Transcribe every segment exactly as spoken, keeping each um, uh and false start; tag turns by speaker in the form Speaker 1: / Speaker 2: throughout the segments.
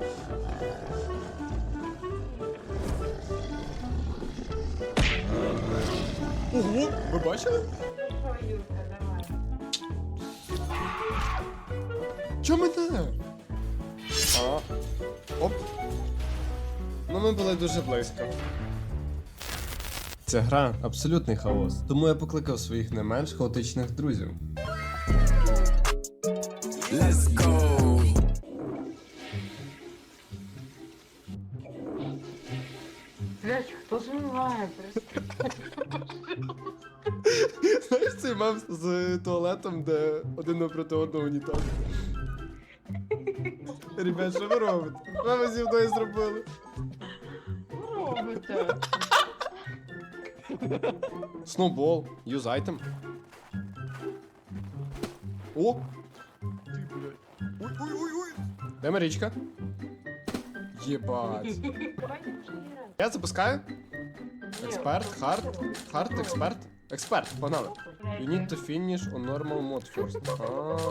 Speaker 1: Ого, ви бачили? Чо мене? А, оп. Ну ми були дуже близько. Ця гра абсолютний хаос, тому я покликав своїх не менш хаотичних друзів.
Speaker 2: Let's go.
Speaker 3: Блять, хто змиває?
Speaker 1: Знаєш цей мем з туалетом, де один напроти одного унітаз? Ребят, що ви робите? Що ви зі мною зробили?
Speaker 3: Робите.
Speaker 1: Сноубол, юз айтем. О! Ой-ой-ой-ой! Де Марічка? Єбать. Я запускаю. Експерт, хард, хард, експерт. Експерт, погнали. You need to finish on normal mode first. А.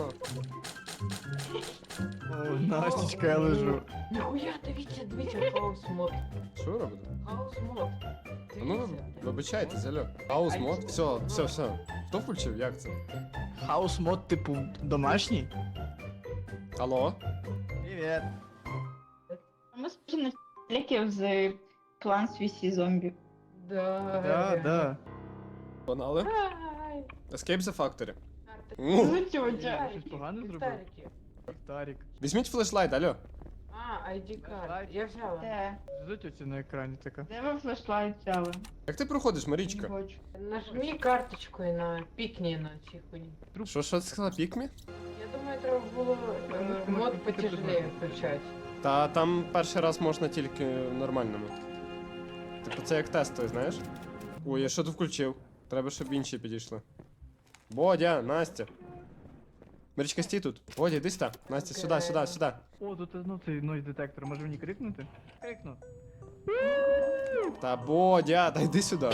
Speaker 4: О, Настечка, я лежу.
Speaker 3: Ніхуя, дивіться, дивіться, хаус мод.
Speaker 1: Що ви робите?
Speaker 3: Хаус мод.
Speaker 1: А ну, ви- вибачайте, зальо. Хаус мод, все, все, все. Хто включив? Як це?
Speaker 4: Хаус мод, типу, домашній?
Speaker 1: Алло?
Speaker 4: Привіт.
Speaker 5: Ми схожі на ліків з Plants vs. Zombie.
Speaker 3: Да,
Speaker 4: Да, да.
Speaker 1: Погнали?
Speaker 3: Ай.
Speaker 1: Escape the Factory.
Speaker 3: Ну,
Speaker 1: У,
Speaker 5: Ну, тьотя.
Speaker 3: ліхтарики,
Speaker 4: Щось погане зробив?
Speaker 3: ліхтарики.
Speaker 4: Тарік.
Speaker 1: Візьміть флешлайт, алло.
Speaker 3: А, ай ді карт. Я взяла.
Speaker 5: Де?
Speaker 4: Ждуть оці на екрані така.
Speaker 5: Де ви флешлайт взяли?
Speaker 1: Як ти проходиш,
Speaker 5: Не
Speaker 1: Марічка?
Speaker 5: хочу.
Speaker 3: Нажми карточкою на пікні на цій хуйні.
Speaker 1: Що, що ти сказала, пікмі?
Speaker 3: Я думаю, треба було е, мод потяжелее включати.
Speaker 1: Та там перший раз можна тільки в нормальному. Типу це як тестовий, знаєш? Ой, я що тут включив? Треба, щоб інші підійшли. Бодя, Настя. Марічка, стій тут. Бодя, іди сюди. Настя, сюди, сюди, сюди.
Speaker 4: О, тут ну цей нойз детектор, може мені крикнути? Крикну.
Speaker 1: Та Бодя, та йди сюди.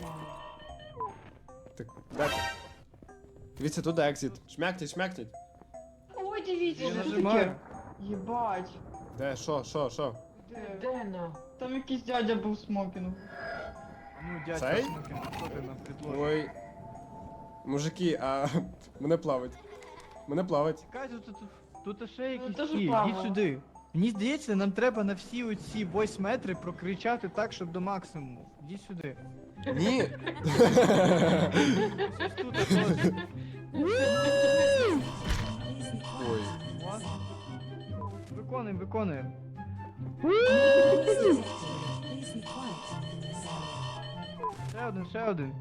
Speaker 1: Так, де ти? Дивіться, тут екзит. Шмякніть, шмякніть.
Speaker 5: Ой, дивіться,
Speaker 4: Я
Speaker 5: що
Speaker 4: нажимаю.
Speaker 5: таке? Єбать.
Speaker 1: Де, що, що, що?
Speaker 5: Де?
Speaker 3: Де на?
Speaker 5: Там якийсь дядя був смокінг.
Speaker 4: Ну, дядька,
Speaker 1: Цей?
Speaker 4: смокін, що ти нам предложиш?
Speaker 1: Ой. Мужики, а мене плавить. Мене плавить.
Speaker 4: Чекай, тут, тут, тут, тут ще якісь
Speaker 5: теж
Speaker 4: ті,
Speaker 5: плавала.
Speaker 4: йдіть сюди. Мені здається, нам треба на всі оці восьми метри прокричати так, щоб до максимуму. Ідіть сюди.
Speaker 1: Ні.
Speaker 4: Ось тут ось.
Speaker 1: Ой.
Speaker 4: О. Виконуємо, виконуємо. Ще один, ще один.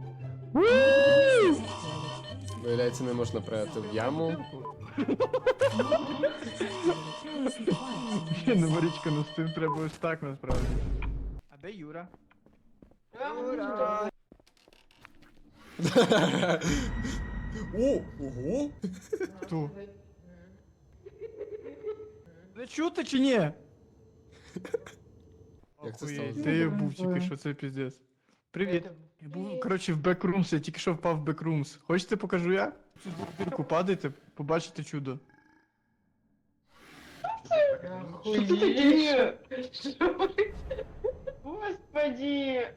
Speaker 1: Виявляється, не можна прияти в яму.
Speaker 4: Ні, ну Марічка, ну з цим треба ось так насправді. А де Юра?
Speaker 3: Ура!
Speaker 1: О, ого!
Speaker 4: Хто? Ви чути чи ні?
Speaker 1: Як це
Speaker 4: Охуєть,
Speaker 1: сталося?
Speaker 4: Де я був тільки що, це піздець. Привіт. Я був, коротше, в Backrooms, я тільки що впав в Backrooms. Хочете покажу я? Цю дірку падайте, побачите чудо.
Speaker 3: Охуєть!
Speaker 5: Господи!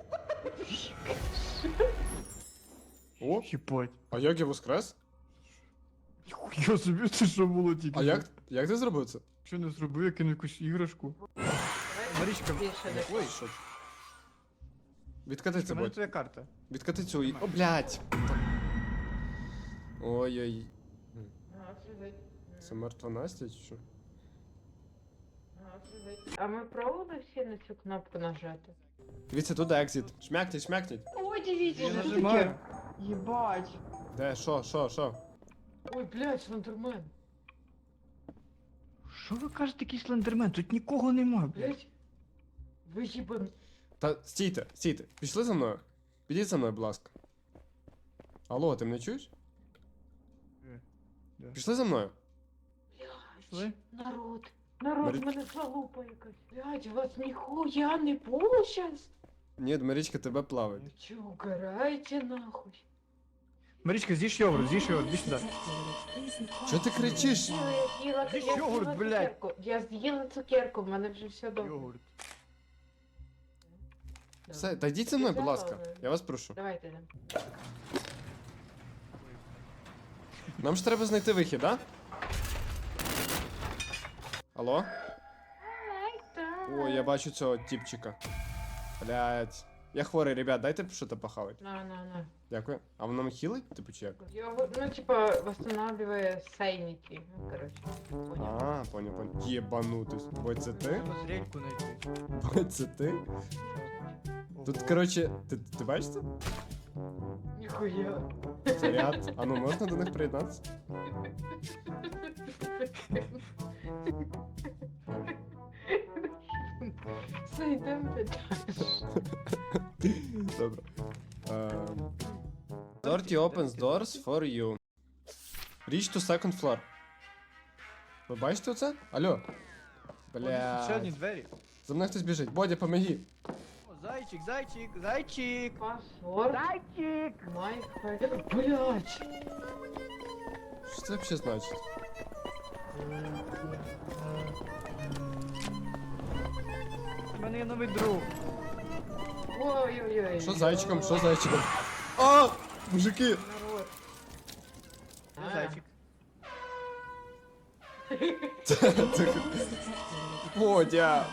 Speaker 1: О,
Speaker 4: Хіпать.
Speaker 1: а як я воскрес?
Speaker 4: Я собі це що було тільки.
Speaker 1: А
Speaker 4: що.
Speaker 1: як, як ти зробив це?
Speaker 4: Що не зробив, я кинув якусь іграшку. Марічка,
Speaker 3: Більше не
Speaker 1: Ой, що? Відкати це,
Speaker 4: у мене
Speaker 1: будь.
Speaker 4: твоя карта.
Speaker 1: Відкати цю і... О, блядь! Ой-ой. Це мертва Настя чи що?
Speaker 3: А ми пробували всі на цю кнопку нажати?
Speaker 1: Дивіться, тут екзит. Шмякніть, шмякніть.
Speaker 5: Ой, дивіться,
Speaker 4: Я
Speaker 5: що
Speaker 4: нажимаю.
Speaker 5: таке? Єбать.
Speaker 1: Де, що, що, що?
Speaker 3: Ой, блядь, слендермен.
Speaker 4: Що ви кажете, такий слендермен? Тут нікого нема, блядь.
Speaker 3: Блядь. Ви їбан...
Speaker 1: Та стійте, стійте. Пішли за мною. Підіть за мною, будь ласка. Алло, ти мене чуєш?
Speaker 4: Е, да.
Speaker 1: Пішли за мною.
Speaker 4: Пішли?
Speaker 3: Народ. Народ,
Speaker 1: Марі-
Speaker 3: в мене залупа якась. Блядь, у вас ніхуя не було щас?
Speaker 1: Ні, Марічка тебе плавить.
Speaker 3: Ви чё, угораете нахуй?
Speaker 4: Марічка, з'їж йогурт, з'їж йогурт, іди сюди.
Speaker 1: Чого ти кричиш?
Speaker 3: Я з'їла,
Speaker 4: Ти
Speaker 3: я
Speaker 4: йогурт,
Speaker 3: з'їла
Speaker 4: блядь.
Speaker 3: цукерку. Я з'їла цукерку, в мене вже все добре.
Speaker 4: Йогурт.
Speaker 1: Все, та йдіть зі мною, будь ласка. Я вас прошу.
Speaker 3: Давайте йдемо.
Speaker 1: Нам ж треба знайти вихід, да? Алло? О, я бачу цього тіпчика. Блять. Я хворий, ребят, дайте щось похавати.
Speaker 3: На, на, на.
Speaker 1: Дякую. А воно хілить? Типу чи як?
Speaker 3: Його, ну, типа, восстанавливає сейники. Ну, короче. Понял.
Speaker 1: А, понял, понял. Єбанутись. Бой, це ти?
Speaker 4: Треба зрядьку знайти.
Speaker 1: Бой, це ти? Тут, короче, ти, ти бачиш це?
Speaker 3: Ніхуя.
Speaker 1: Заряд. А ну можна до них приєднатися?
Speaker 3: Зайдемо далі.
Speaker 1: Добре. Ем. Dirty opens doors for you. Reach to second floor. Ви бачите оце? Алло.
Speaker 4: Бля. Ще одні
Speaker 1: Бля.
Speaker 4: двері.
Speaker 1: За мною хтось біжить. Бодя, помоги.
Speaker 4: О, зайчик, зайчик, зайчик.
Speaker 3: Паспорт.
Speaker 4: Зайчик.
Speaker 3: Майк. Блять.
Speaker 1: Що це взагалі значить?
Speaker 4: У мене є новий друг.
Speaker 3: Ой-ой-ой.
Speaker 1: Що з зайчиком? Що з зайчиком? А! Мужики!
Speaker 3: Народ.
Speaker 4: Це
Speaker 3: А.
Speaker 4: зайчик.
Speaker 1: Це- Бодя!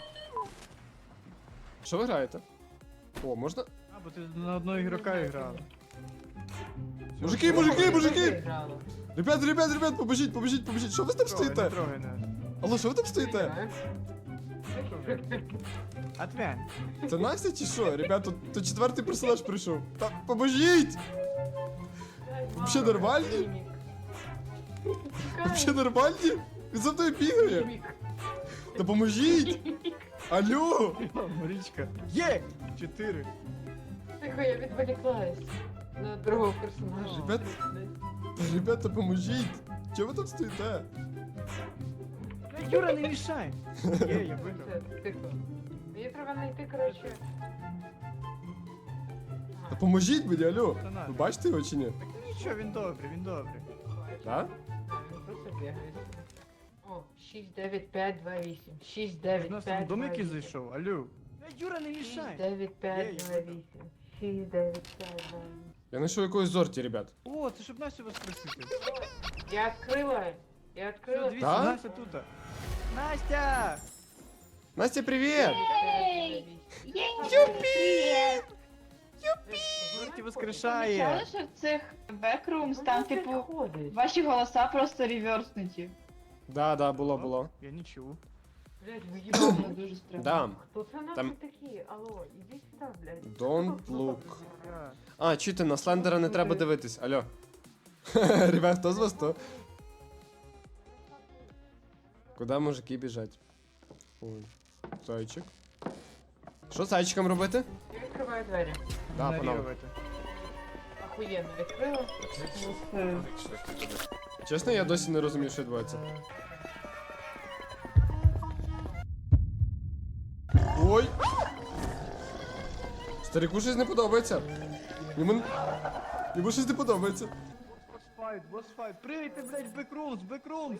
Speaker 1: Що ви граєте? О, можна?
Speaker 4: А, бо ти на одного ігрока грав.
Speaker 1: Мужики, мужики, мужики!
Speaker 3: Грала.
Speaker 1: Ребят, ребят, ребят, побежіть, побежіть, побежіть. Що ви там
Speaker 4: Трогай, не
Speaker 1: стоїте?
Speaker 4: трогай нас.
Speaker 1: Алло, що ви там стоїте?
Speaker 4: Отвянь.
Speaker 1: Це Настя чи що? Ребят, тут, тут четвертий персонаж прийшов. Та поможіть! Вообще нормальні? Вообще нормальні? Він за мною бігає. Та поможіть! Алло!
Speaker 4: О, Марічка. Є! Чотири.
Speaker 3: Тихо, я відволіклась на другого персонажа.
Speaker 1: Ребят, ребята, поможіть! Чого ви там стоїте?
Speaker 4: Бля, Юра, не мішай. Є, я виграв.
Speaker 3: Все, тихо. Мені треба знайти, коротше.
Speaker 1: Та поможіть мені, алло!
Speaker 4: Та на.
Speaker 1: Ви бачите його чи ні?
Speaker 4: Так нічого, він добрий, він добрий.
Speaker 1: Да?
Speaker 3: А, він просто бігає. О, шість дев'ять п'ять два вісім. шість
Speaker 4: У
Speaker 3: дев'ять
Speaker 4: нас там
Speaker 3: п'ять
Speaker 4: дом
Speaker 3: два
Speaker 4: який
Speaker 3: вісім.
Speaker 4: зайшов, алло. Бля, Юра, не
Speaker 3: шість
Speaker 4: мішай.
Speaker 3: дев'ять
Speaker 4: Є,
Speaker 3: п'ять
Speaker 4: я
Speaker 3: два
Speaker 4: виграв.
Speaker 3: вісім. шість дев'ять п'ять два вісім.
Speaker 1: Я знайшов якогось зорті, ребят.
Speaker 4: О, це щоб Настю воскресити.
Speaker 3: Я відкрила. Я
Speaker 4: Все,
Speaker 3: відкрила.
Speaker 4: дивіться,
Speaker 1: Да?
Speaker 4: Настя тут. Настя!
Speaker 1: Настя, привіт!
Speaker 5: Ей!
Speaker 3: Юпі!
Speaker 4: Зорті
Speaker 5: Помічали,
Speaker 4: воскрешає.
Speaker 5: що в цих бекрумс там, типу,
Speaker 3: ходить.
Speaker 5: ваші голоса просто реверснуті.
Speaker 1: Да, да, було, було.
Speaker 4: Я не чув.
Speaker 3: Блядь, ви
Speaker 5: Це
Speaker 3: їбали.
Speaker 5: дуже странно.
Speaker 1: Да.
Speaker 3: Хто це нахуй
Speaker 1: Там-
Speaker 3: такі? Алло, іди сюди, блядь.
Speaker 1: Don't look.
Speaker 4: Я.
Speaker 1: А, чуєте, на слендера не треба дивитись, алло. Ребят, хто з вас то? Куди мужики біжать? Ой, зайчик. Що з зайчиком робити?
Speaker 3: Я відкриваю двері.
Speaker 1: Да, панове.
Speaker 4: Ігнорувати.
Speaker 3: Охуєнно відкрила.
Speaker 1: Чесно, я досі не розумію, що відбувається. Ой! Старику щось не подобається. Йому... Йому щось не подобається.
Speaker 4: Босфайт, босфайт. Прийти, блядь, в бекрумс, бекрумс.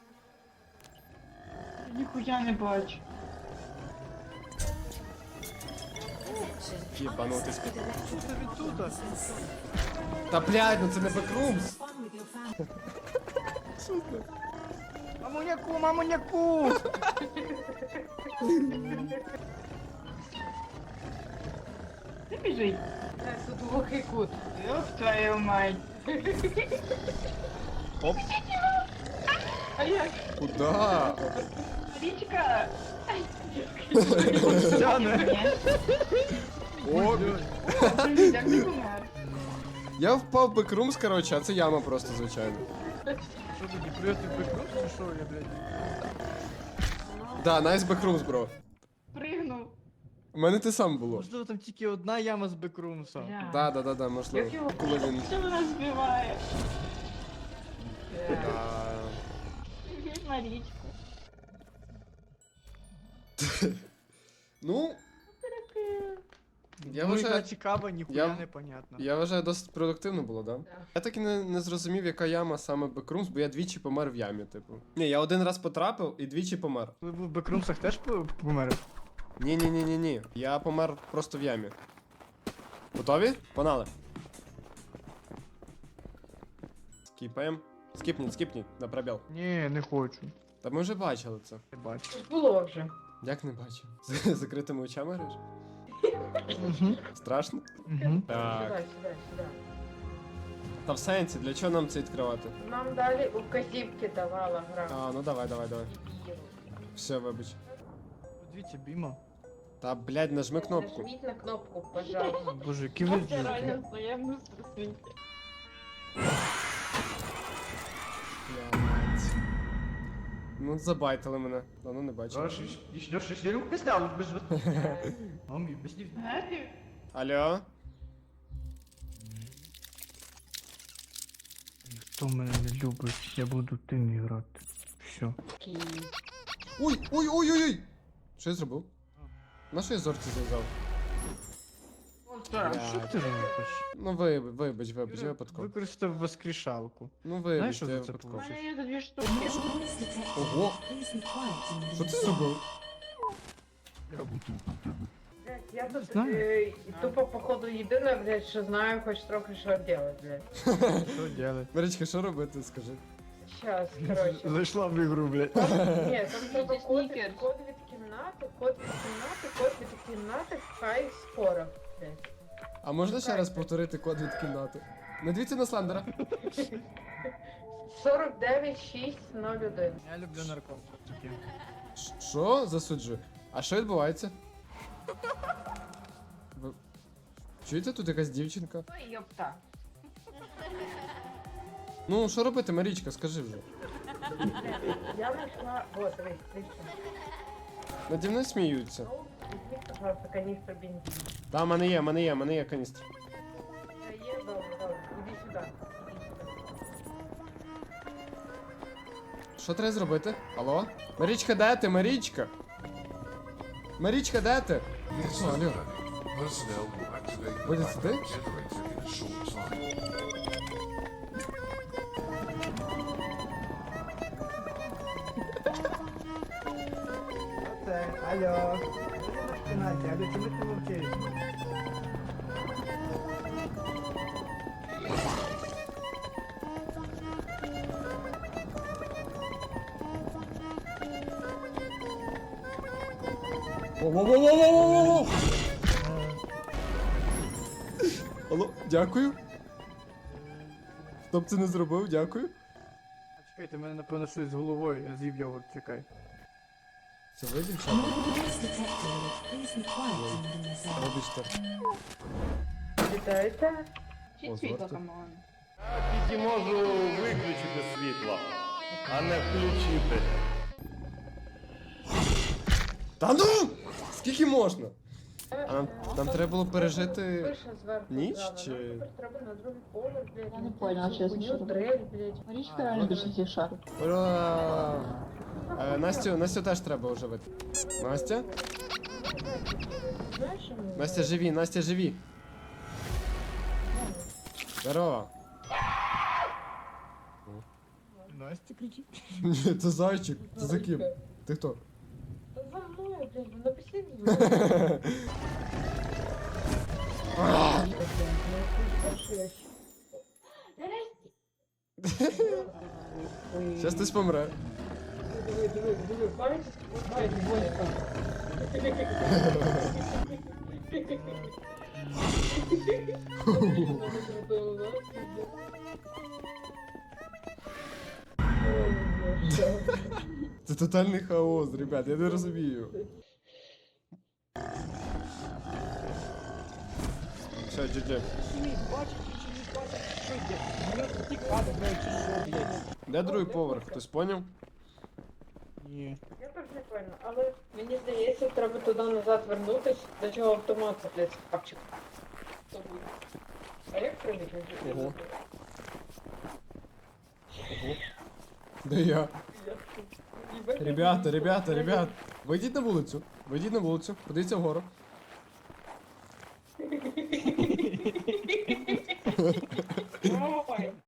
Speaker 5: Ніхуя не бачу.
Speaker 1: Єбанутись.
Speaker 4: Що це він тут?
Speaker 1: Та блядь, ну це не бекрумс.
Speaker 4: Мамуняку, мамуняку!
Speaker 5: Ти біжить.
Speaker 3: Е, Тут глухий кут.
Speaker 5: Ёб твою мать.
Speaker 1: Оп.
Speaker 3: А як?
Speaker 1: Куда?
Speaker 5: Річка.
Speaker 4: Тяне.
Speaker 1: О,
Speaker 5: Привіт, як ти помер?
Speaker 1: я впав в бекрумс, короче, а це яма просто, звичайно.
Speaker 4: Що тоді, прийти в бекрумс чи що, я, блядь?
Speaker 1: Да, найс бекрумс, бро.
Speaker 5: Пригнув.
Speaker 1: У мене те саме було.
Speaker 4: Можливо, там тільки одна яма з бекрумса.
Speaker 3: Бля.
Speaker 1: Да, да, да, да, можливо.
Speaker 3: Як його-
Speaker 1: Коли він.
Speaker 5: Що вона збиває?
Speaker 3: Е,
Speaker 1: Да.
Speaker 5: Привіт, Марічка.
Speaker 1: Ну, Я
Speaker 4: ну,
Speaker 1: вважаю,
Speaker 4: яка цікава, ніхуя
Speaker 1: я-
Speaker 4: непонятно.
Speaker 1: я вважаю, досить продуктивно було, да?
Speaker 3: Да.
Speaker 1: Я так і не, не зрозумів, яка яма саме Бекрумс, бо я двічі помер в ямі, типу. Ні, я один раз потрапив і двічі помер.
Speaker 4: Ви в бекрумсах теж по- померли?
Speaker 1: Ні, ні, ні, ні, ні. Я помер просто в ямі. Готові? Погнали. Скіпаємо. Скіпніть, скіпніть, на пробіл.
Speaker 4: Ні, не хочу.
Speaker 1: Та ми вже бачили це.
Speaker 4: Не бачу.
Speaker 3: Було вже.
Speaker 1: Як не бачив? З закритими очами граєш?
Speaker 4: Угу.
Speaker 1: Страшно?
Speaker 4: Угу.
Speaker 1: Так.
Speaker 3: Сюди, сюди, сюди.
Speaker 1: Та в сенсі, для чого нам це відкривати?
Speaker 3: Нам дали указівки давала гра.
Speaker 1: А, ну давай, давай, давай.
Speaker 3: Дебіл.
Speaker 1: Все, вибач.
Speaker 4: Подивіться, Біма.
Speaker 1: Та, блядь, нажми кнопку.
Speaker 3: Нажміть на кнопку, пожалуйста.
Speaker 4: Боже, які ви
Speaker 5: Це
Speaker 4: діти.
Speaker 5: реально взаємно світі.
Speaker 1: Блядь. Ну, забайтили мене. Давно не бачив. Алло?
Speaker 4: Хто мене не любить, я буду тим грати. Все.
Speaker 3: Окей.
Speaker 1: Ой, ой, ой, ой, ой! Що я зробив? На що я зорці зв'язав?
Speaker 4: Що ти робиш?
Speaker 1: Ну вибач, вибач, вибач, я
Speaker 4: Юра,
Speaker 1: випадково.
Speaker 4: Використав воскрешалку.
Speaker 1: Ну
Speaker 4: Знаєш,
Speaker 1: вибач,
Speaker 4: що
Speaker 1: я
Speaker 4: за це
Speaker 1: випадково.
Speaker 3: У
Speaker 4: получиш?
Speaker 3: мене є дві штуки.
Speaker 1: Ого! Що ти зробив?
Speaker 3: Блядь, я тут
Speaker 4: Знаю.
Speaker 3: е, і тупо походу єдина, блядь, що знаю хоч трохи що робити, блядь.
Speaker 4: Що делать?
Speaker 1: Марічка, що робити, скажи?
Speaker 3: Щас, короче.
Speaker 4: Зайшла в ігру, блядь.
Speaker 3: Ні, там треба код,
Speaker 5: Снікерс.
Speaker 3: код від кімнати, код від кімнати, код від кімнати, хай скоро. блядь.
Speaker 1: А можна ще раз повторити код від кімнати? Не дивіться на слендера.
Speaker 3: сорок дев'ять шість нуль один.
Speaker 4: Я люблю наркотики.
Speaker 1: Ш- Що? Засуджую. А що відбувається? Ви... Чуєте, тут якась дівчинка?
Speaker 3: Ой, йопта.
Speaker 1: Ну, що робити, Марічка, скажи вже.
Speaker 3: Я знайшла... Вот, дивись, дивись.
Speaker 1: Наді мною сміються.
Speaker 3: Ну, візьми, пожалуйста, каністру бензину.
Speaker 1: Та, в мене є, в мене є, в мене є каністр.
Speaker 3: Та є, добре, добре. Іди сюди. Іди сюди.
Speaker 1: Що треба зробити? Алло? Марічка, де ти? Марічка? Марічка, де ти? Що, алло?
Speaker 2: Personnel will activate
Speaker 1: What
Speaker 2: the
Speaker 1: is
Speaker 2: backup
Speaker 1: this?
Speaker 2: generator in a short time.
Speaker 4: Оце, алло. Настя, алло, чому ти мовчиш?
Speaker 1: Во-во-во-во-во-во-во! Алло, дякую. Хто б це не зробив, дякую.
Speaker 4: А чекайте, мене напевно щось з головою, я з'їв йогурт, чекай.
Speaker 1: Це ви, дівчата? Вибачте.
Speaker 3: Вітаєте?
Speaker 5: Чи
Speaker 1: О,
Speaker 5: світло,
Speaker 1: зварте.
Speaker 5: камон.
Speaker 6: Тільки можу виключити світло, а не включити.
Speaker 1: Та ну! Скільки можна? А нам, нам треба було пережити.
Speaker 3: Пише зверху
Speaker 1: ніч,
Speaker 3: зрано.
Speaker 1: чи-
Speaker 3: Нам тепер треба на другий поверх, блядь.
Speaker 5: Я не поняла, чесно,
Speaker 3: Хуйню,
Speaker 5: що робити.
Speaker 3: дрель, блядь.
Speaker 5: Марічка реально більше всіх шарить.
Speaker 1: Ура! Е, Настю, Настю теж треба оживити. Настя?
Speaker 3: Знаєш, що мені
Speaker 1: Настя, живі, Настя, живі. Здорово.
Speaker 4: Настя кричить.
Speaker 1: Ні, це зайчик. Це за ким? Ти хто?
Speaker 3: Та за мною, блядь, вона після мною.
Speaker 1: Щас хтось помре.
Speaker 3: Диви, диви, диви, бачиш? Бачиш,
Speaker 1: Це тотальний хаос, ребят, я не розумію. Все, джи-джи. Де другий поверх, хтось поняв?
Speaker 4: Ні.
Speaker 3: Я теж не поняла, але мені здається, треба туди назад вернутись, до чого автомат, блядь, папчик. А як прийти?
Speaker 1: Ого. Де я? Ребята, ребята, ребят, вийдіть на вулицю. Вийдіть на вулицю, подивіться вгору.
Speaker 3: Ой.